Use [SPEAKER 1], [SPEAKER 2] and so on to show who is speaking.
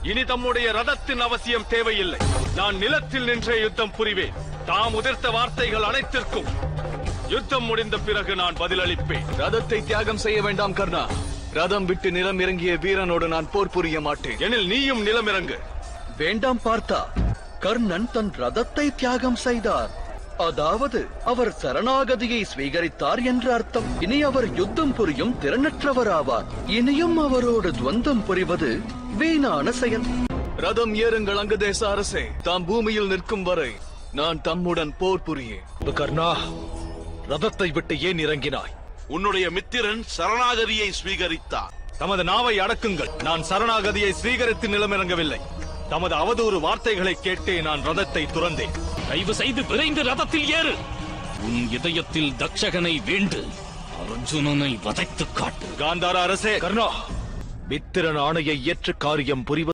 [SPEAKER 1] இனி தம்முடைய ரதத்தின் அவசியம் தேவையில்லை. நான் நிலத்தில் நின்றே யுத்தம் புரிவேன். தாம் உதிர்த்த வார்த்தைகள் அனைத்திற்கும் யுத்தம் முடிந்த பிறகு நான் பதிலளிப்பேன்.
[SPEAKER 2] ரதத்தை தியாகம் செய்ய வேண்டாம் கர்ணா. ரதம் விட்டு நிலம் இறங்கிய வீரனோடு நான் போர் புரிய மாட்டேன்.
[SPEAKER 1] எனில் நீயும் நிலம் இறங்கு.
[SPEAKER 3] வேண்டாம் பார்த்தா. கர்ணன் தன் ரதத்தை தியாகம் செய்தார். அதாவது அவர் சரணாகதியை ஸ்வீகரித்தார் என்று அர்த்தம். இனி அவர் யுத்தம் புரியும் திறனற்றவர் ஆவார். இனியும் அவரோடு துவந்தம் புரிவது வீணான செயல்.
[SPEAKER 2] ரதம் ஏறுங்கள் அங்கதேச அரசே. தாம் பூமியில் நிற்கும் வரை நான் தம்முடன் போர் புரியேன்.
[SPEAKER 4] கர்ணா, ரதத்தை விட்டு ஏன் இறங்கினாய்?
[SPEAKER 5] உன்னுடைய மித்திரன் சரணாகதியை ஸ்வீகரித்தார்.
[SPEAKER 1] தமது நாவை அடக்குங்கள். நான் சரணாகதியை ஸ்வீகரித்து நிலமிறங்கவில்லை. தமது அவதூறு வார்த்தைகளை கேட்டே நான் ரதத்தை துறந்தேன்.
[SPEAKER 6] தயவு செய்து விரைந்து ரதத்தில் ஏறு. உன் இதயத்தில் தக்ஷகனை வேண்டு அர்ஜுனனை வதைத்து காட்டு.
[SPEAKER 1] காந்தார அரசே,
[SPEAKER 4] கர்ணா, மித்திரன் ஆணையை ஏற்று காரியம் புரிவது